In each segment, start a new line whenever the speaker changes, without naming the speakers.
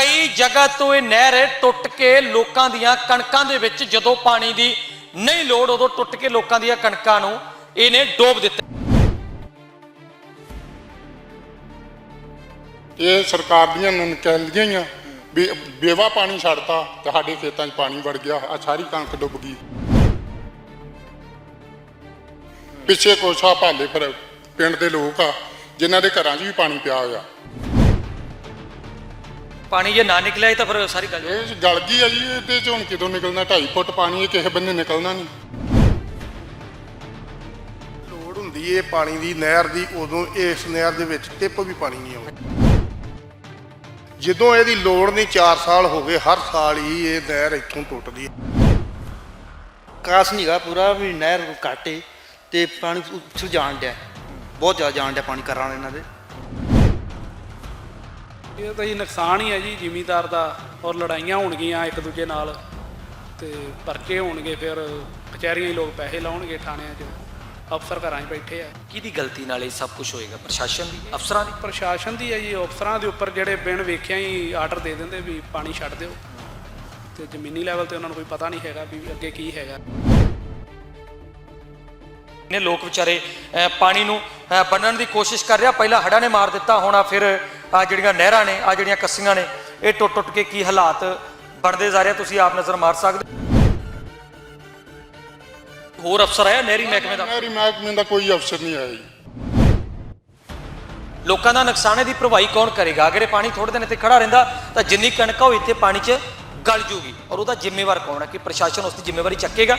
कई जगह तो ये नहर टुट के लोगों दियां कणकां दे विच जदों पानी दी नहीं लोड़ उदों टुट के लोगों दियां कणकां नूं इहने डोब दित्ता।
ये सरकार दियां ननकैलियां ही आ भी बेवा पानी छड्डता ते साडे खेतां 'च पानी वड़ गया, आ सारी कणक डुब गई। पिछे कुछ आ भाले फिर पिंड दे लोग आ जिन्हां दे घरां 'च भी पानी पिया होया।
पानी जे ना निकलिया तो फिर सारी गल
गल गई है जी। ये हुण कितों निकलना? 2.5 फुट पानी किसी बन्ने निकलना नहीं।
लोड़ हुंदी है पानी दी नहर दी, उदों इस नहर दे विच टिप भी पानी नहीं आउंदा। जदों इहदी लोड़ नहीं 4 साल हो गए, हर साल ही ये नहर इत्थों टुटदी है।
कास नहीं गा पूरा भी नहर घाटे ते पानी उत्थों जान दिया, बहुत ज़्यादा जान दिया पानी कराने इन्हां दे।
ਇਹ ਤਾਂ ਜੀ ਨੁਕਸਾਨ ਹੀ ਹੈ ਜੀ ਜ਼ਿਮੀਂਦਾਰ ਦਾ, ਔਰ ਲੜਾਈਆਂ ਹੋਣਗੀਆਂ ਇੱਕ ਦੂਜੇ ਨਾਲ ਤੇ ਪਰਚੇ ਹੋਣਗੇ, ਫਿਰ ਕਚਹਿਰੀਆਂ ਹੀ ਲੋਕ ਪੈਸੇ ਲਾਉਣਗੇ ਥਾਣਿਆਂ 'ਚ, ਅਫਸਰ ਘਰਾਂ 'ਚ ਬੈਠੇ ਆ।
किहदी गलती नाल ये सब कुछ होएगा? प्रशासन दी, अफसरां दी?
ਪ੍ਰਸ਼ਾਸਨ ਦੀ ਹੈ ਜੀ, ਅਫਸਰਾਂ ਦੇ ਉੱਪਰ ਜਿਹੜੇ ਬਿਨ ਵੇਖਿਆ ਹੀ ਆਰਡਰ ਦੇ ਦਿੰਦੇ ਵੀ ਪਾਣੀ ਛੱਡ ਦਿਓ, ਤੇ ਜ਼ਮੀਨੀ ਲੈਵਲ ਤੇ ਉਹਨਾਂ ਨੂੰ ਕੋਈ ਪਤਾ ਨਹੀਂ ਹੈਗਾ ਵੀ ਅੱਗੇ ਕੀ ਹੈਗਾ।
ਨੇ ਲੋਕ ਵਿਚਾਰੇ ਪਾਣੀ ਨੂੰ ਬੰਨਣ ਦੀ ਕੋਸ਼ਿਸ਼ ਕਰ ਰਿਹਾ। ਪਹਿਲਾਂ ਹੜ੍ਹਾਂ ਨੇ ਮਾਰ ਦਿੱਤਾ, ਹੁਣ ਆ ਫਿਰ ਆ ਜਿਹੜੀਆਂ ਨਹਿਰਾਂ ਨੇ, ਆ ਜਿਹੜੀਆਂ ਕੱਸੀਆਂ ਨੇ, ਇਹ ਟੁੱਟ ਟੁੱਟ ਕੇ ਕੀ ਹਾਲਾਤ ਬਣਦੇ ਜਾ ਰਹੇ ਤੁਸੀਂ ਆਪ ਨਜ਼ਰ ਮਾਰ ਸਕਦੇ। ਹੋਰ ਅਫਸਰ ਆਇਆ ਨਹਿਰੀ ਮਹਿਕਮੇ ਦਾ?
ਨਹਿਰੀ ਮਹਿਕਮੇ ਦਾ ਕੋਈ ਅਫਸਰ ਨਹੀਂ ਆਇਆ ਜੀ।
ਲੋਕਾਂ ਦਾ ਨੁਕਸਾਨੇ ਦੀ ਭਰਵਾਈ ਕੌਣ ਕਰੇਗਾ? ਅਗਰ ਇਹ ਪਾਣੀ ਥੋੜੇ ਦਿਨ ਇੱਥੇ ਖੜਾ ਰਹਿੰਦਾ ਤਾਂ ਜਿੰਨੀ ਕਣਕ ਉਹ ਇੱਥੇ ਪਾਣੀ 'ਚ ਗਲ ਜੂਗੀ, ਔਰ ਉਹਦਾ ਜ਼ਿੰਮੇਵਾਰ ਕੌਣ ਹੈ? ਕਿ ਪ੍ਰਸ਼ਾਸਨ ਉਸ ਦੀ ਜ਼ਿੰਮੇਵਾਰੀ ਚੱਕੇਗਾ?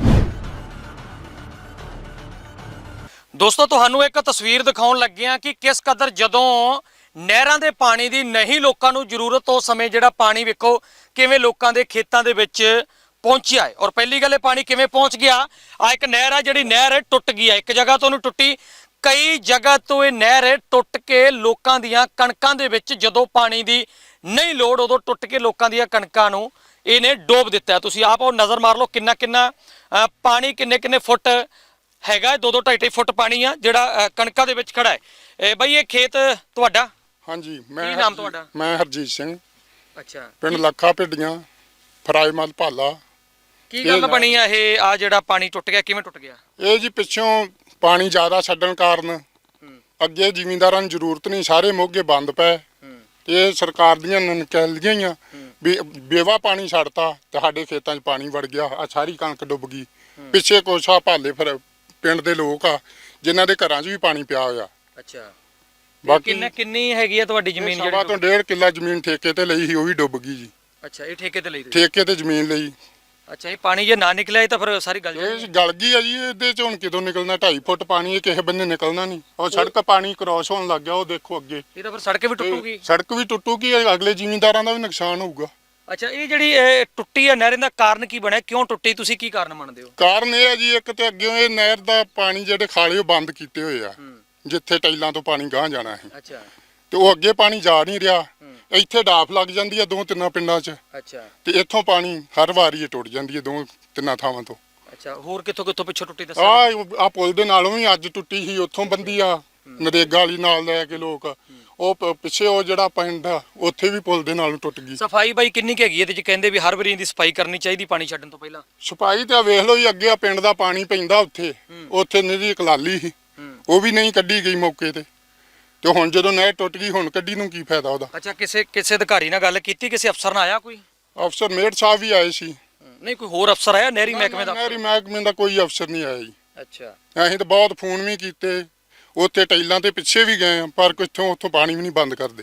ਦੋਸਤੋ ਤੁਹਾਨੂੰ ਇੱਕ ਤਸਵੀਰ ਦਿਖਾਉਣ ਲੱਗੇ ਆ ਕਿ ਕਿਸ ਕਦਰ ਜਦੋਂ ਨਹਿਰਾਂ ਦੇ ਪਾਣੀ ਦੀ ਨਹੀਂ ਲੋਕਾਂ ਨੂੰ ਜ਼ਰੂਰਤ, ਉਸ ਸਮੇਂ ਜਿਹੜਾ ਪਾਣੀ ਵੇਖੋ ਕਿਵੇਂ ਲੋਕਾਂ ਦੇ ਖੇਤਾਂ ਦੇ ਵਿੱਚ ਪਹੁੰਚਿਆ ਹੈ। ਔਰ ਪਹਿਲੀ ਗੱਲ ਇਹ ਪਾਣੀ ਕਿਵੇਂ ਪਹੁੰਚ ਗਿਆ, ਆ ਇੱਕ ਨਹਿਰ ਆ ਜਿਹੜੀ ਨਹਿਰ ਟੁੱਟ ਗਈ ਹੈ, ਇੱਕ ਜਗ੍ਹਾ ਤੋਂ ਨਹੀਂ ਟੁੱਟੀ, ਕਈ ਜਗ੍ਹਾ ਤੋਂ ਇਹ ਨਹਿਰ ਟੁੱਟ ਕੇ ਲੋਕਾਂ ਦੀਆਂ ਕਣਕਾਂ ਦੇ ਵਿੱਚ ਜਦੋਂ ਪਾਣੀ ਦੀ ਨਹੀਂ ਲੋੜ ਉਦੋਂ ਟੁੱਟ ਕੇ ਲੋਕਾਂ ਦੀਆਂ ਕਣਕਾਂ ਨੂੰ ਇਹਨੇ ਡੋਬ ਦਿੱਤਾ। ਤੁਸੀਂ ਆਪ ਉਹ ਨਜ਼ਰ ਮਾਰ ਲਓ ਕਿੰਨਾ ਕਿੰਨਾ ਪਾਣੀ, ਕਿੰਨੇ ਕਿੰਨੇ ਫੁੱਟ ਹੈਗਾ, 2-2 2.5 ਫੁੱਟ ਪਾਣੀ ਆ ਜਿਹੜਾ ਕਣਕਾਂ ਦੇ ਵਿੱਚ ਖੜਾ ਹੈ। ਬਈ ਇਹ ਖੇਤ ਤੁਹਾਡਾ?
ਹਾਂਜੀ।
ਕੀ ਨਾਮ ਤੁਹਾਡਾ?
ਮੈਂ ਹਰਜੀਤ ਸਿੰਘ,
ਅੱਛਾ।
ਪਿੰਡ ਲੱਖਾ ਭਿੱਡੀਆਂ, ਫਰਾਇਮਲ ਭਾਲਾ।
ਕੀ ਗੱਲ ਬਣੀ ਆ ਇਹ, ਆ ਜਿਹੜਾ ਪਾਣੀ ਟੁੱਟ ਗਿਆ, ਕਿਵੇਂ ਟੁੱਟ ਗਿਆ?
ਇਹ ਜੀ ਪਿੱਛੋਂ ਪਾਣੀ ਜ਼ਿਆਦਾ ਛੱਡਣ ਕਾਰਨ ਅੱਗੇ ਜ਼ਿਮੀਂਦਾਰਾਂ ਨੂੰ ਜ਼ਰੂਰਤ ਨਹੀਂ, ਸਾਰੇ ਮੋਗੇ ਬੰਦ ਪਏ। ਇਹ ਸਰਕਾਰ ਦੀਆਂ ਨਨਕੈਲੀਆਂ ਹੀ ਆ ਵੀ ਬੇਵਾ ਪਾਣੀ ਛੱਡਤਾ ਤੇ ਸਾਡੇ ਖੇਤਾਂ 'ਚ ਪਾਣੀ ਵੜ ਗਿਆ, ਆ ਸਾਰੀ ਕਣਕ ਡੁੱਬ ਗਈ। ਪਿੱਛੇ ਕੁਛ ਆ ਭਾਲੇ ਫਿਰ ਪਿੰਡ ਦੇ ਲੋਕ ਆ ਜਿਨ੍ਹਾਂ ਦੇ ਘਰਾਂ 'ਚ ਵੀ ਪਾਣੀ ਪਿਆ ਹੋਇਆ।
ਅੱਛਾ।
ਬਾਕੀ
ਕਿੰਨੀ ਹੈਗੀ ਆ ਤੁਹਾਡੀ ਜ਼ਮੀਨ?
ਸਵਾ ਤੋਂ 1.5 ਕਿੱਲਾ ਜ਼ਮੀਨ ਠੇਕੇ ਤੇ ਲਈ ਸੀ, ਉਹ ਵੀ ਡੁੱਬ ਗਈ ਜੀ।
ਅੱਛਾ, ਇਹ ਠੇਕੇ ਤੇ ਲਈ ਤੁਸੀਂ?
ਠੇਕੇ ਤੇ ਜ਼ਮੀਨ ਲਈ।
ਅੱਛਾ, ਇਹ ਪਾਣੀ ਜੇ ਨਾ ਨਿਕਲਿਆ ਤਾਂ ਫਿਰ ਸਾਰੀ ਗੱਲ
ਇਹ ਗਲ ਗਈ ਆ ਜੀ। ਇਹਦੇ 'ਚ ਹੁਣ ਕਿਤੋਂ ਨਿਕਲਣਾ? 2.5 ਫੁੱਟ ਪਾਣੀ, ਇਹ ਕਿਸੇ ਬੰਨੇ ਨਿਕਲਣਾ ਨਹੀਂ। ਉਹ ਸੜਕ ਪਾਣੀ ਕ੍ਰੋਸ ਹੋਣ ਲੱਗ ਗਿਆ, ਉਹ ਦੇਖੋ ਅੱਗੇ।
ਇਹ ਤਾਂ ਫਿਰ ਸੜਕ ਵੀ ਟੁੱਟੂਗੀ?
ਸੜਕ ਵੀ ਟੁੱਟੂਗੀ, ਅਗਲੇ ਜ਼ਿਮੀਂਦਾਰਾਂ ਦਾ ਵੀ ਨੁਕਸਾਨ ਹੋਊਗਾ।
ਅੱਛਾ, ਇਹ ਜਿਹੜੀ ਟੁੱਟੀ ਆ ਨਹਿਰ ਦਾ ਕਾਰਨ ਕੀ ਬਣਿਆ, ਕਿਉਂ ਟੁੱਟੀ, ਤੁਸੀਂ ਕੀ ਕਾਰਨ ਮੰਨਦੇ ਹੋ?
ਕਾਰਨ ਇਹ ਹੈ ਜੀ, ਇੱਕ ਤੇ ਅੱਗੇ ਇਹ ਨਹਿਰ ਦਾ ਪਾਣੀ ਜਿਹੜੇ ਖਾਲੇ ਉਹ ਬੰਦ ਕੀਤੇ ਹੋਏ ਆ, ਜਿੱਥੇ ਟੈਲਾਂ ਤੋਂ ਪਾਣੀ ਗਾਂਹ ਜਾਣਾ ਹੈ।
ਅੱਛਾ।
ਤੇ ਉਹ ਅੱਗੇ ਪਾਣੀ ਜਾ ਨਹੀਂ ਰਿਹਾ, ਇੱਥੇ ਡਾਫ ਲੱਗ ਜਾਂਦੀ ਆ 2-3 ਪਿੰਡਾਂ 'ਚ।
ਅੱਛਾ।
ਤੇ ਇੱਥੋਂ ਪਾਣੀ ਹਰ ਵਾਰੀ ਇਹ ਟੁੱਟ ਜਾਂਦੀ ਹੈ 2-3 ਥਾਵਾਂ ਤੋਂ।
ਅੱਛਾ, ਹੋਰ ਕਿੱਥੋਂ ਕਿੱਥੋਂ ਪਿੱਛੋਂ ਟੁੱਟੀ ਦੱਸੋ?
ਆ ਪੁਲ ਦੇ ਨਾਲੋਂ ਵੀ ਅੱਜ ਟੁੱਟੀ ਸੀ, ਉੱਥੋਂ ਬੰਦੀ ਆ ਨਰੇਗਾ ਵਾਲੀ ਨਾਲ ਲੈ ਕੇ ਲੋਕ, ਉਹ ਪਿੱਛੇ ਉਹ ਜਿਹੜਾ ਪਿੰਡ ਆ ਉੱਥੇ ਵੀ ਪੁਲ ਦੇ ਨਾਲੋਂ ਟੁੱਟ ਗਈ।
ਸਫਾਈ ਬਾਈ ਕਿੰਨੀ ਕੁ ਹੈਗੀ ਇਹਦੇ 'ਚ? ਕਹਿੰਦੇ ਵੀ ਹਰ ਵਾਰੀ ਇਹਦੀ ਸਫਾਈ ਕਰਨੀ ਚਾਹੀਦੀ ਪਾਣੀ ਛੱਡਣ ਤੋਂ ਪਹਿਲਾਂ।
ਸਫਾਈ ਤਾਂ ਵੇਖ ਲਓ ਜੀ, ਅੱਗੇ ਆ ਪਿੰਡ ਦਾ ਪਾਣੀ ਪੈਂਦਾ ਉੱਥੇ ਨਿਹਰੀ ਕਲਾਲੀ ਸੀ, ਉਹ ਵੀ ਨਹੀਂ ਕੱਢੀ ਗਈ ਮੌਕੇ ਤੇ ਹੁਣ ਜਦੋਂ ਨਹਿਰ ਟੁੱਟ ਗਈ, ਹੁਣ ਕੱਢੀ ਨੂੰ ਕੀ ਫਾਇਦਾ ਉਹਦਾ?
ਅੱਛਾ, ਕਿਸੇ ਅਧਿਕਾਰੀ ਨਾਲ ਗੱਲ ਕੀਤੀ, ਕਿਸੇ ਅਫਸਰ ਨਾਲ ਆਇਆ ਕੋਈ?
ਅਫਸਰ ਮੇਅਰ ਸਾਹਿਬ ਵੀ ਆਏ ਸੀ।
ਨਹੀਂ, ਕੋਈ ਹੋਰ ਅਫਸਰ ਆਇਆ ਨਹਿਰੀ ਮਹਿਕਮੇ ਦਾ?
ਨਹਿਰੀ ਮਹਿਕਮੇ ਦਾ ਕੋਈ ਅਫਸਰ ਨਹੀਂ ਆਇਆ ਜੀ।
ਅੱਛਾ।
ਅਸੀਂ ਤਾਂ ਬਹੁਤ ਫੋਨ ਵੀ ਕੀਤੇ, ਉੱਥੇ ਟੈਲਾਂ ਤੇ ਪਿੱਛੇ ਵੀ ਗਏ ਆ, ਪਰ ਉੱਥੋਂ ਪਾਣੀ ਵੀ ਨਹੀਂ ਬੰਦ ਕਰਦੇ।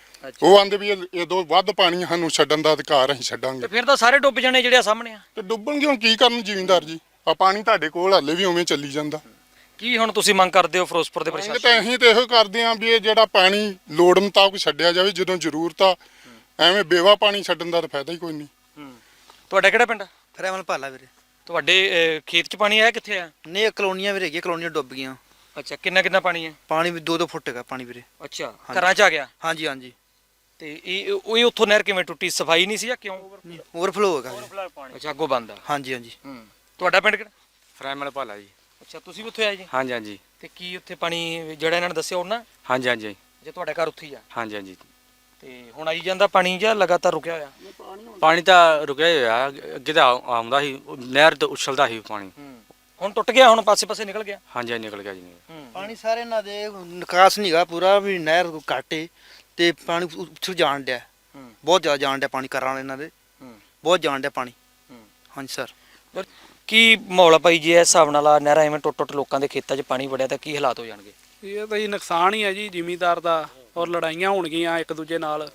ਉਹ ਆਂਦੇ ਵੀ ਇਹਦੋਂ ਵੱਧ ਪਾਣੀ ਸਾਨੂੰ ਛੱਡਣ ਦਾ ਅਧਿਕਾਰ ਅਸੀਂ ਛੱਡਾਂਗੇ।
ਤੇ ਫਿਰ ਤਾਂ ਸਾਰੇ ਡੁੱਬ ਜਾਣੇ ਜਿਹੜੇ ਸਾਹਮਣੇ ਆ।
ਤੇ ਡੁੱਬਣਗੇ ਹੁਣ ਕੀ ਕਰਨ ਜ਼ਿਮੀਂਦਾਰ ਜੀ? ਆ ਪਾਣੀ ਤੁਹਾਡੇ ਕੋਲ ਹਾਲੇ ਵੀ ਉਵੇਂ ਚੱਲੀ ਜਾਂਦਾ।
ਕੀ ਹੁਣ ਤੁਸੀਂ ਮੰਗ ਕਰਦੇ ਹੋ ਫਿਰੋਜ਼ਪੁਰ ਦੇ
ਅਸੀਂ
ਪ੍ਰਸ਼ਾਸਨ?
ਤਾਂ ਇਹੋ ਕਰਦੇ ਆਂ ਵੀ ਇਹ ਜਿਹੜਾ ਪਾਣੀ ਲੋੜ ਮੁਤਾਬਕ ਛੱਡਿਆ ਜਾਵੇ ਜਦੋਂ ਜ਼ਰੂਰਤ ਆ। ਐਵੇਂ ਬੇਵਾ ਪਾਣੀ ਛੱਡਣ ਦਾ ਤਾਂ ਫਾਇਦਾ ਹੀ ਕੋਈ ਨਹੀਂ।
ਤੁਹਾਡਾ ਕਿਹੜਾ ਪਿੰਡ?
ਫਰੈਮਲ ਭਾਲਾ ਵੀਰੇ।
ਤੁਹਾਡੇ ਖੇਤ 'ਚ ਪਾਣੀ ਆਇਆ, ਕਿੱਥੇ ਆ?
ਨਹੀਂ, ਕਲੋਨੀਆਂ ਵੀਰੇ ਹੈਗੀਆਂ, ਕਲੋਨੀਆਂ ਡੁੱਬ ਗਈਆਂ।
ਅੱਛਾ, ਕਿੰਨਾ ਪਾਣੀ ਹੈ?
ਪਾਣੀ ਵੀ 2-2 ਫੁੱਟ ਹੈਗਾ ਪਾਣੀ ਵੀਰੇ।
ਅੱਛਾ, ਘਰਾਂ 'ਚ ਆ ਗਿਆ?
ਹਾਂਜੀ ਹਾਂਜੀ।
ਤੇ ਇਹ ਉੱਥੋਂ ਨਹਿਰ ਕਿਵੇਂ ਟੁੱਟੀ? ਸਫਾਈ ਨਹੀਂ ਸੀ ਜਾਂ ਕਿਉਂ?
ਓਵਰਫਲੋ ਹੈਗਾ ਵੀਰੇ।
ਅੱਛਾ, ਅੱਗੋਂ ਬੰਦ ਆ?
ਹਾਂਜੀ ਹਾਂਜੀ।
ਤੁਹਾਡਾ ਪਿੰਡ ਕਿਹੜਾ?
ਫਰਾਇਮਲ ਭਾਲਾ ਜੀ।
ਅੱਛਾ, ਤੁਸੀਂ ਵੀ ਉੱਥੇ ਆਏ ਜੀ?
ਹਾਂਜੀ ਹਾਂਜੀ।
ਤੇ ਕੀ ਉੱਥੇ ਪਾਣੀ ਜਿਹੜਾ ਇਹਨਾਂ ਨੇ ਦੱਸਿਆ ਉਹਨਾਂ?
ਹਾਂਜੀ ਹਾਂਜੀ।
ਜੇ ਤੁਹਾਡਾ ਘਰ ਉੱਥੇ ਹੀ ਆ?
ਹਾਂਜੀ ਹਾਂਜੀ।
ਤੇ ਹੁਣ ਆਈ ਜਾਂਦਾ ਪਾਣੀ ਜਾਂ ਲਗਾਤਾਰ ਰੁਕਿਆ ਹੋਇਆ?
ਪਾਣੀ ਤਾਂ ਰੁਕਿਆ ਹੀ ਹੋਇਆ, ਅੱਗੇ ਤਾਂ ਆਉਂਦਾ ਸੀ, ਨਹਿਰ ਤੋਂ ਉਛਲਦਾ ਸੀ ਪਾਣੀ।
ਹੁਣ ਟੁੱਟ ਗਿਆ, ਹੁਣ ਪਾਸੇ ਨਿਕਲ ਗਿਆ।
ਹਾਂਜੀ ਹਾਂਜੀ, ਨਿਕਲ ਗਿਆ ਜੀ।
ਪਾਣੀ ਸਾਰੇ ਇਹਨਾਂ ਦੇ ਨਿਕਾਸ ਨਹੀਂਗਾ ਪੂਰਾ, ਵੀ ਨਹਿਰ ਘੱਟ ਏ ਤੇ ਪਾਣੀ ਉਛਲ ਜਾਣ ਡਿਆ, ਬਹੁਤ ਜ਼ਿਆਦਾ ਜਾਣ ਡਿਆ ਪਾਣੀ ਘਰਾਂ ਵਾਲੇ ਇਹਨਾਂ ਦੇ, ਬਹੁਤ ਜਾਣ ਡਿਆ ਪਾਣੀ। ਹਾਂਜੀ ਸਰ।
ਪਰ ਕੀ ਮਾਹੌਲ ਆ ਭਾਈ ਜੀ, ਇਸ ਹਿਸਾਬ ਨਾਲ ਆ ਨਹਿਰਾਂ ਐਵੇਂ ਟੁੱਟ ਲੋਕਾਂ ਦੇ ਖੇਤਾਂ 'ਚ ਪਾਣੀ ਵੜਿਆ ਤਾਂ ਕੀ ਹਾਲਾਤ ਹੋ ਜਾਣਗੇ?
ਇਹ ਤਾਂ ਜੀ ਨੁਕਸਾਨ ਹੀ ਹੈ ਜੀ ਜ਼ਿਮੀਂਦਾਰ ਦਾ, ਔਰ ਲੜਾਈਆਂ ਹੋਣਗੀਆਂ ਇੱਕ ਦੂਜੇ ਨਾਲ,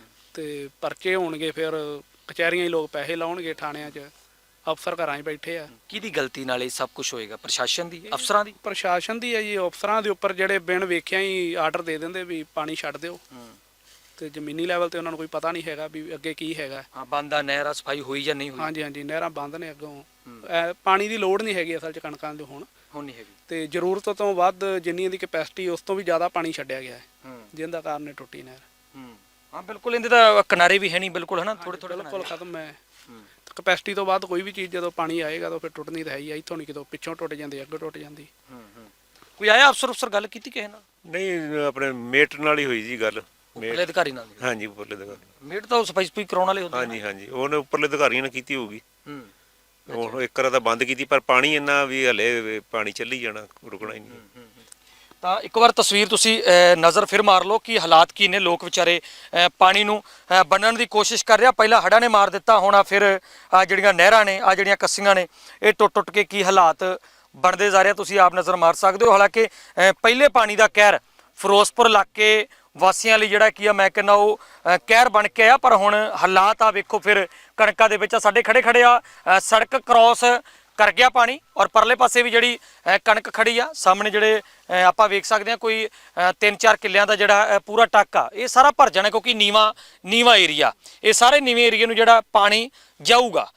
ਤੇ ਪਰਚੇ ਹੋਣਗੇ, ਫਿਰ ਕਚਹਿਰੀਆਂ ਹੀ ਲੋਕ ਪੈਸੇ ਲਾਉਣਗੇ ਥਾਣਿਆਂ 'ਚ, ਅਫਸਰ ਘਰਾਂ 'ਚ ਬੈਠੇ ਆ।
ਕਿਹਦੀ ਗਲਤੀ ਨਾਲ ਇਹ ਸਭ ਕੁਝ ਹੋਏਗਾ? ਪ੍ਰਸ਼ਾਸਨ ਦੀ, ਅਫਸਰਾਂ ਦੀ?
ਪ੍ਰਸ਼ਾਸਨ ਦੀ ਹੈ ਜੀ, ਅਫਸਰਾਂ ਦੇ ਉੱਪਰ ਜਿਹੜੇ ਬਿਨ ਵੇਖਿਆ ਹੀ ਆਰਡਰ ਦੇ ਦਿੰਦੇ ਵੀ ਪਾਣੀ ਛੱਡ ਦਿਓ, ਤੇ ਜ਼ਮੀਨੀ ਲੈਵਲ ਤੇ ਉਹਨਾਂ ਨੂੰ ਕੋਈ ਪਤਾ ਨਹੀਂ ਹੈਗਾ ਵੀ ਅੱਗੇ ਕੀ ਹੈਗਾ।
ਹਾਂ, ਬੰਦ ਆ ਨਹਿਰ, ਸਫਾਈ ਹੋਈ ਜਾਂ ਨਹੀਂ ਹੋਈ?
ਹਾਂਜੀ ਹਾਂਜੀ, ਨਹਿਰਾਂ ਬੰਦ ਨੇ ਅੱਗੋਂ, ਪਾਣੀ ਦੀ ਲੋੜ ਨਹੀਂ ਹੈਗੀ ਅਸਲ 'ਚ ਕਣਕਾਂ ਦੇ ਹੁਣ
ਨਹੀਂ ਹੈਗੀ,
ਤੇ ਜ਼ਰੂਰਤ ਤੋਂ ਵੱਧ ਜਿੰਨੀ ਇਹਦੀ ਕੈਪੈਸਿਟੀ ਉਸ ਤੋਂ ਵੀ ਜ਼ਿਆਦਾ ਪਾਣੀ ਛੱਡਿਆ ਗਿਆ ਹੈ, ਜਿਹਦਾ ਕਾਰਨ ਇਹ ਟੁੱਟੀ ਨਹਿਰ।
ਹਾਂ ਬਿਲਕੁਲ, ਇਹਦੇ ਤਾਂ ਕਿਨਾਰੇ ਵੀ ਹੈ ਨਹੀਂ ਬਿਲਕੁਲ, ਹਨਾ, ਥੋੜੇ
ਬਿਲਕੁਲ ਖਤਮ ਹੈ। ਕੈਪੈਸਿਟੀ ਤੋਂ ਬਾਅਦ ਕੋਈ ਵੀ ਚੀਜ਼ ਜਦੋਂ ਪਾਣੀ ਆਏਗਾ ਤਾਂ ਫਿਰ ਟੁੱਟਣੀ ਤਾਂ ਹੈ ਹੀ ਆ, ਇੱਥੋਂ ਨਹੀਂ ਕਿਤੋਂ ਪਿੱਛੋਂ ਟੁੱਟ ਜਾਂਦੀ, ਅੱਗੇ ਟੁੱਟ ਜਾਂਦੀ।
ਕੋਈ ਆਇਆ ਅਫਸਰ ਗੱਲ ਕੀਤੀ ਕਿਸੇ ਨਾਲ?
ਨਹੀਂ, ਆਪਣੇ ਮੇਟ ਨਾਲ ਹੀ ਹੋਈ ਜੀ ਗੱਲ।
ਉੱਪਰਲੇ ਅਧਿਕਾਰੀ ਨਾਲ?
ਹਾਂਜੀ, ਉੱਪਰਲੇ ਅਧਿਕਾਰੀ।
ਮੇਟ ਤਾਂ ਸਫਾਈ ਕਰਾਉਣ ਵਾਲੇ ਹੁੰਦੇ।
ਹਾਂਜੀ ਹਾਂਜੀ, ਉਹਨੇ ਉੱਪਰਲੇ ਅਧਿਕਾਰੀਆਂ ਨੇ ਕੀਤੀ ਹੋਊਗੀ। ਹੁਣ ਇੱਕ ਵਾਰ ਤਾਂ ਬੰਦ ਕੀਤੀ, ਪਰ ਪਾਣੀ ਇੰਨਾ ਵੀ ਹਲੇ ਪਾਣੀ ਚੱਲੀ ਜਾਣਾ, ਰੁਕਣਾ ਹੀ ਨਹੀਂ।
ਤਾਂ ਇੱਕ ਵਾਰ ਤਸਵੀਰ ਤੁਸੀਂ ਨਜ਼ਰ ਫਿਰ ਮਾਰ ਲਓ ਕਿ ਹਾਲਾਤ ਕੀ ਨੇ। ਲੋਕ ਵਿਚਾਰੇ ਪਾਣੀ ਨੂੰ ਬੰਨਣ ਦੀ ਕੋਸ਼ਿਸ਼ ਕਰ ਰਿਹਾ, ਪਹਿਲਾਂ ਹੜ੍ਹਾਂ ਨੇ ਮਾਰ ਦਿੱਤਾ, ਹੁਣ ਆ ਫਿਰ ਆ ਜਿਹੜੀਆਂ ਨਹਿਰਾਂ ਨੇ, ਆ ਜਿਹੜੀਆਂ ਕੱਸੀਆਂ ਨੇ, ਇਹ ਟੁੱਟ ਕੇ ਕੀ ਹਾਲਾਤ ਬਣਦੇ ਜਾ ਰਹੇ ਤੁਸੀਂ ਆਪ ਨਜ਼ਰ ਮਾਰ ਸਕਦੇ ਹੋ। ਹਾਲਾਂਕਿ ਪਹਿਲੇ ਪਾਣੀ ਦਾ ਕਹਿਰ ਫਿਰੋਜ਼ਪੁਰ ਇਲਾਕੇ ਵਾਸੀਆਂ ਲਈ ਜਿਹੜਾ ਕੀ ਆ, ਮੈਂ ਕਹਿੰਦਾ ਉਹ ਕਹਿਰ ਬਣ ਕੇ ਆ, ਪਰ ਹੁਣ ਹਾਲਾਤ ਆ ਵੇਖੋ ਫਿਰ ਕਣਕਾਂ ਦੇ ਵਿੱਚ ਆ, ਸਾਡੇ ਖੜੇ ਆ, ਸੜਕ ਕ੍ਰੋਸ ਕਰ ਗਿਆ ਪਾਣੀ, ਔਰ ਪਰਲੇ ਪਾਸੇ ਵੀ ਜਿਹੜੀ ਕਣਕ ਖੜੀ ਆ, ਸਾਹਮਣੇ ਜਿਹੜੇ ਆਪਾਂ ਵੇਖ ਸਕਦੇ ਆ ਕੋਈ 3-4 ਕਿੱਲਿਆਂ ਦਾ ਜਿਹੜਾ ਪੂਰਾ ਟੱਕ ਆ, ਇਹ ਸਾਰਾ ਭਰ ਜਾਣਾ, ਕਿਉਂਕਿ ਨੀਵਾ ਏਰੀਆ, ਇਹ ਸਾਰੇ ਨੀਵੇਂ ਏਰੀਏ ਨੂੰ ਜਿਹੜਾ ਪਾਣੀ ਜਾਊਗਾ।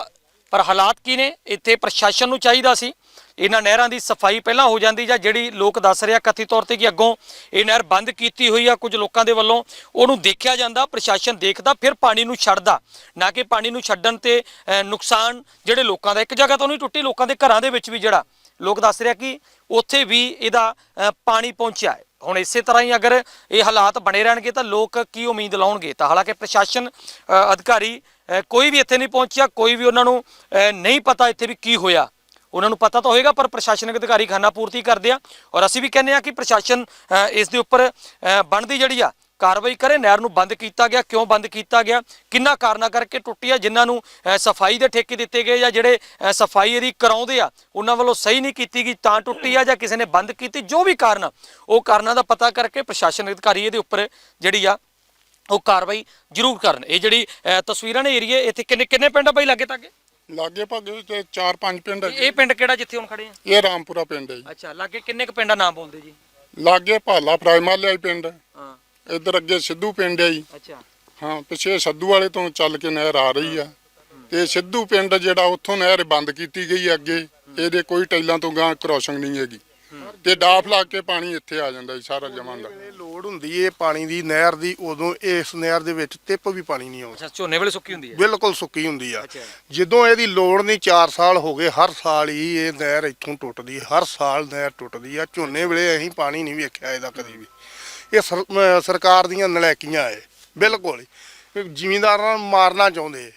ਪਰ ਹਾਲਾਤ ਕੀ ਨੇ ਇੱਥੇ? ਪ੍ਰਸ਼ਾਸਨ ਨੂੰ ਚਾਹੀਦਾ ਸੀ ਇਹਨਾਂ ਨਹਿਰਾਂ ਦੀ ਸਫਾਈ ਪਹਿਲਾਂ ਹੋ ਜਾਂਦੀ, ਜਾਂ ਜਿਹੜੀ ਲੋਕ ਦੱਸ ਰਿਹਾ ਕਥਿਤ ਤੌਰ ਤੇ ਕਿ ਅੱਗੋਂ ਇਹ ਨਹਿਰ ਬੰਦ ਕੀਤੀ ਹੋਈ ਆ ਕੁਝ ਲੋਕਾਂ ਦੇ ਵੱਲੋਂ, ਉਹਨੂੰ ਦੇਖਿਆ ਜਾਂਦਾ, ਪ੍ਰਸ਼ਾਸਨ ਦੇਖਦਾ, ਫਿਰ ਪਾਣੀ ਨੂੰ ਛੱਡਦਾ, ਨਾ ਕਿ ਪਾਣੀ ਨੂੰ ਛੱਡਣ ਤੇ ਨੁਕਸਾਨ ਜਿਹੜੇ ਲੋਕਾਂ ਦਾ, ਇੱਕ ਜਗ੍ਹਾ ਤੋਂ ਨਹੀਂ ਟੁੱਟੀ, ਲੋਕਾਂ ਦੇ ਘਰਾਂ ਦੇ ਵਿੱਚ ਵੀ ਜਿਹੜਾ ਲੋਕ ਦੱਸ ਰਿਹਾ ਕਿ ਉੱਥੇ ਵੀ ਇਹਦਾ ਪਾਣੀ ਪਹੁੰਚਿਆ ਹੈ। ਹੁਣ ਇਸੇ ਤਰ੍ਹਾਂ ਹੀ ਅਗਰ ਇਹ ਹਾਲਾਤ ਬਣੇ ਰਹਿਣਗੇ ਤਾਂ ਲੋਕ ਕੀ ਉਮੀਦ ਲਾਉਣਗੇ? ਤਾਂ ਹਾਲਾਂਕਿ ਪ੍ਰਸ਼ਾਸਨ ਅਧਿਕਾਰੀ ਕੋਈ ਵੀ ਇੱਥੇ ਨਹੀਂ ਪਹੁੰਚਿਆ, ਕੋਈ ਵੀ ਉਹਨਾਂ ਨੂੰ ਨਹੀਂ ਪਤਾ ਇੱਥੇ ਵੀ ਕੀ ਹੋਇਆ, ਉਹਨਾਂ ਨੂੰ ਪਤਾ ਤਾਂ ਹੋਏਗਾ, ਪਰ ਪ੍ਰਸ਼ਾਸਨਿਕ ਅਧਿਕਾਰੀ ਖਾਨਾ ਪੂਰਤੀ ਕਰਦੇ ਆ, ਔਰ ਅਸੀਂ ਵੀ ਕਹਿੰਦੇ ਆ ਕਿ ਪ੍ਰਸ਼ਾਸਨ ਇਸ ਦੇ ਉੱਪਰ ਬਣਦੀ ਜਿਹੜੀ ਆ ਕਾਰਵਾਈ ਕਰੇ। ਨਹਿਰ ਨੂੰ ਬੰਦ ਕੀਤਾ ਗਿਆ, ਕਿਉਂ ਬੰਦ ਕੀਤਾ ਗਿਆ, ਕਿੰਨਾ ਕਾਰਨਾਂ ਕਰਕੇ ਟੁੱਟੀ ਆ, ਜਿਨ੍ਹਾਂ ਨੂੰ ਸਫਾਈ ਦੇ ਠੇਕੇ ਦਿੱਤੇ ਗਏ ਜਾਂ ਜਿਹੜੇ ਸਫਾਈ ਇਹਦੀ ਕਰਾਉਂਦੇ ਆ ਉਹਨਾਂ ਵੱਲੋਂ ਸਹੀ ਨਹੀਂ ਕੀਤੀ ਗਈ ਤਾਂ ਟੁੱਟੀ ਆ, ਜਾਂ ਕਿਸੇ ਨੇ ਬੰਦ ਕੀਤੀ, ਜੋ ਵੀ ਕਾਰਨ, ਉਹ ਕਾਰਨਾਂ ਦਾ ਪਤਾ ਕਰਕੇ ਪ੍ਰਸ਼ਾਸਨਿਕ ਅਧਿਕਾਰੀ ਇਹਦੇ ਉੱਪਰ ਜਿਹੜੀ ਆ ਉਹ ਕਾਰਵਾਈ ਜ਼ਰੂਰ ਕਰਨ। ਇਹ ਜਿਹੜੀ ਤਸਵੀਰਾਂ ਨੇ ਏਰੀਏ, ਇੱਥੇ ਕਿੰਨੇ ਪਿੰਡ ਆ ਬਾਈ ਲਾਗੇ ਤਾਗੇ?
ਲਾਗੇ ਭਾਗੇ ਤੇ 4-5 ਪਿੰਡ ਹੈ।
ਇਹ ਪਿੰਡ ਕਿਹੜਾ ਜਿੱਥੇ ਹੁਣ ਖੜੇ ਆ?
ਇਹ ਰਾਮਪੁਰਾ ਪਿੰਡ ਹੈ ਜੀ।
ਅੱਛਾ, ਲਾਗੇ ਕਿੰਨੇ ਕੁ ਪਿੰਡਾਂ ਨਾਮ ਬੋਲਦੇ ਜੀ?
ਲਾਗੇ ਭਾਲਾ ਫਰਾਈਮਾਲਿਆ ਪਿੰਡ,
ਹਾਂ,
ਇੱਧਰ ਅੱਗੇ ਸਿੱਧੂ ਪਿੰਡ ਹੈ ਜੀ।
ਅੱਛਾ,
ਹਾਂ, ਪਿੱਛੇ ਸੱਧੂ ਵਾਲੇ ਤੋਂ ਚੱਲ ਕੇ ਨਹਿਰ ਆ ਰਹੀ ਆ, ਤੇ ਸਿੱਧੂ ਪਿੰਡ ਜਿਹੜਾ ਉੱਥੋਂ ਨਹਿਰ ਬੰਦ ਕੀਤੀ ਗਈ ਅੱਗੇ, ਇਹਦੇ ਕੋਈ ਟੈਲਾਂ ਤੋਂ ਗਾਂ ਕ੍ਰੋਸਿੰਗ ਨਹੀਂ ਹੈਗੀ, ਤੇ ਡਾਫ ਲਾ ਕੇ ਪਾਣੀ ਇੱਥੇ ਆ ਜਾਂਦਾ ਜੀ ਸਾਰਾ ਜਮਾਂ ਦਾ।
ਲੋੜ ਹੁੰਦੀ ਏ ਪਾਣੀ ਦੀ ਨਹਿਰ ਦੀ, ਉਦੋਂ ਇਸ ਨਹਿਰ ਦੇ ਵਿੱਚ ਟਿੱਪ ਵੀ ਪਾਣੀ ਨਹੀਂ ਆਉਂਦਾ,
ਅੱਛਾ, ਝੋਨੇ ਵੇਲੇ ਸੁੱਕੀ ਹੁੰਦੀ ਹੈ?
ਬਿਲਕੁਲ ਸੁੱਕੀ ਹੁੰਦੀ ਆ।
ਅੱਛਾ,
ਜਦੋਂ ਇਹਦੀ ਲੋੜ ਨਹੀਂ, 4 ਸਾਲ ਹੋ ਗਏ, ਹਰ ਸਾਲ ਹੀ ਇਹ ਨਹਿਰ ਇੱਥੋਂ ਟੁੱਟਦੀ, ਹਰ ਸਾਲ ਨਹਿਰ ਟੁੱਟਦੀ ਆ। ਝੋਨੇ ਵੇਲੇ ਅਸੀਂ ਪਾਣੀ ਨਹੀਂ ਵੇਖਿਆ ਇਹਦਾ ਕਦੀ ਵੀ। ਇਹ ਸਰਕਾਰ ਦੀਆਂ ਨਲਾਇਕੀਆਂ ਏ ਬਿਲਕੁਲ ਹੀ, ਜ਼ਿਮੀਂਦਾਰਾਂ ਨੂੰ ਮਾਰਨਾ ਚਾਹੁੰਦੇ।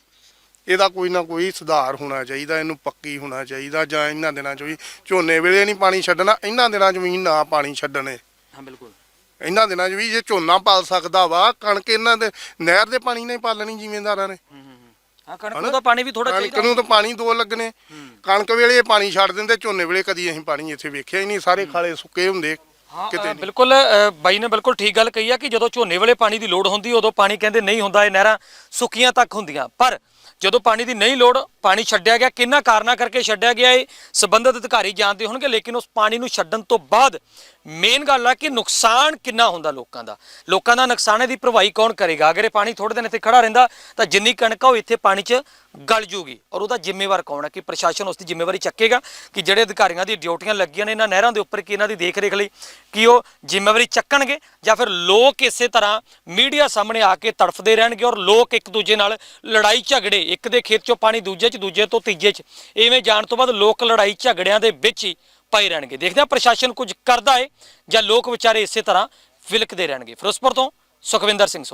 ਇਹਦਾ ਕੋਈ ਨਾ ਕੋਈ ਸੁਧਾਰ ਹੋਣਾ ਚਾਹੀਦਾ, ਇਹਨੂੰ ਪੱਕੀ ਹੋਣਾ ਚਾਹੀਦਾ, ਜਾਂ ਇਹਨਾਂ ਦਿਨਾਂ 'ਚ ਵੀ ਝੋਨੇ ਵੇਲੇ ਨਹੀਂ ਪਾਣੀ ਛੱਡਣਾ, ਇਹਨਾਂ ਦਿਨਾਂ 'ਚ ਵੀ ਨਾ ਪਾਣੀ ਛੱਡਣੇ।
ਹਾਂ ਬਿਲਕੁਲ,
ਇਹਨਾਂ ਦਿਨਾਂ 'ਚ ਵੀ ਜੇ ਝੋਨਾ ਪਾਲ ਸਕਦਾ ਵਾ, ਕਣਕ ਇਹਨਾਂ ਦੇ ਨਹਿਰ ਦੇ ਪਾਣੀ ਨਹੀਂ ਪਾਲਣੀ ਜ਼ਿਮੀਂਦਾਰਾਂ ਨੇ।
ਹਾਂ, ਕਣਕ ਨੂੰ ਤਾਂ ਪਾਣੀ ਵੀ ਥੋੜਾ ਚਾਹੀਦਾ,
ਕਣਕ ਨੂੰ ਤਾਂ ਪਾਣੀ 2 ਲੱਗਣੇ। ਕਣਕ ਵੇਲੇ ਇਹ ਪਾਣੀ ਛੱਡ ਦਿੰਦੇ, ਝੋਨੇ ਵੇਲੇ ਕਦੀ ਅਸੀਂ ਪਾਣੀ ਇੱਥੇ ਵੇਖਿਆ ਹੀ ਨਹੀਂ, ਸਾਰੇ ਖਾਲੇ ਸੁੱਕੇ ਹੁੰਦੇ ਕਿਤੇ ਨਹੀਂ।
ਬਿਲਕੁਲ, ਬਾਈ ਨੇ ਬਿਲਕੁਲ ਠੀਕ ਗੱਲ ਕਹੀ ਆ ਕਿ ਜਦੋਂ ਝੋਨੇ ਵੇਲੇ ਪਾਣੀ ਦੀ ਲੋੜ ਹੁੰਦੀ ਉਦੋਂ ਪਾਣੀ ਕਹਿੰਦੇ ਨਹੀਂ ਹੁੰਦਾ, ਇਹ ਨਹਿਰਾਂ ਸੁੱਕੀਆਂ ਤੱਕ ਹੁੰਦੀਆਂ, ਪਰ ਜਦੋਂ ਪਾਣੀ ਦੀ ਨਹੀਂ ਲੋੜ, ਪਾਣੀ ਛੱਡਿਆ ਗਿਆ, ਕਿੰਨਾ ਕਾਰਨਾਂ ਕਰਕੇ ਛੱਡਿਆ ਗਿਆ ਇਹ ਸੰਬੰਧਿਤ ਅਧਿਕਾਰੀ ਜਾਣਦੇ ਹੋਣਗੇ, ਲੇਕਿਨ ਉਸ ਪਾਣੀ ਨੂੰ ਛੱਡਣ ਤੋਂ ਬਾਅਦ ਮੇਨ ਗੱਲ ਆ ਕਿ ਨੁਕਸਾਨ ਕਿੰਨਾ ਹੁੰਦਾ ਲੋਕਾਂ ਦਾ ਨੁਕਸਾਨ ਦੀ ਭਰਵਾਈ ਕੌਣ ਕਰੇਗਾ? ਅਗਰ ਇਹ ਪਾਣੀ ਥੋੜੇ ਦਿਨ ਇੱਥੇ ਖੜਾ ਰਹਿੰਦਾ ਤਾਂ ਜਿੰਨੀ ਕਣਕ ਆ ਉਹ ਇੱਥੇ ਪਾਣੀ 'ਚ ਗਲ ਜੂਗੀ, ਔਰ ਉਹਦਾ ਜ਼ਿੰਮੇਵਾਰ ਕੌਣ ਹੈ? ਕਿ ਪ੍ਰਸ਼ਾਸਨ ਉਸ ਦੀ ਜ਼ਿੰਮੇਵਾਰੀ ਚੱਕੇਗਾ, ਕਿ ਜਿਹੜੇ ਅਧਿਕਾਰੀਆਂ ਦੀ ਡਿਊਟੀਆਂ ਲੱਗੀਆਂ ਨੇ ਇਹਨਾਂ ਨਹਿਰਾਂ ਦੇ ਉੱਪਰ, ਕਿ ਇਹਨਾਂ ਦੀ ਦੇਖ ਰੇਖ ਲਈ, ਕਿ ਉਹ ਜ਼ਿੰਮੇਵਾਰੀ ਚੱਕਣਗੇ, ਜਾਂ ਫਿਰ ਲੋਕ ਇਸੇ ਤਰ੍ਹਾਂ ਮੀਡੀਆ ਸਾਹਮਣੇ ਆ ਕੇ ਤੜਫਦੇ ਰਹਿਣਗੇ, ਔਰ ਲੋਕ ਇੱਕ ਦੂਜੇ ਨਾਲ ਲੜਾਈ ਝਗੜੇ, ਇੱਕ ਦੇ ਖੇਤ 'ਚੋਂ ਪਾਣੀ ਦੂਜੇ 'ਚ, ਦੂਜੇ ਤੋਂ ਤੀਜੇ 'ਚ, ਇਵੇਂ ਜਾਣ ਤੋਂ ਬਾਅਦ ਲੋਕ ਲੜਾਈ ਝਗੜਿਆਂ ਦੇ ਵਿੱਚ ਹੀ ਪਏ ਰਹਿਣਗੇ। ਦੇਖਦੇ ਹਾਂ ਪ੍ਰਸ਼ਾਸਨ ਕੁਝ ਕਰਦਾ ਹੈ ਜਾਂ ਲੋਕ ਵਿਚਾਰੇ ਇਸੇ ਤਰ੍ਹਾਂ ਵਿਲਕਦੇ ਰਹਿਣਗੇ। ਫਿਰੋਜ਼ਪੁਰ ਤੋਂ ਸੁਖਵਿੰਦਰ ਸਿੰਘ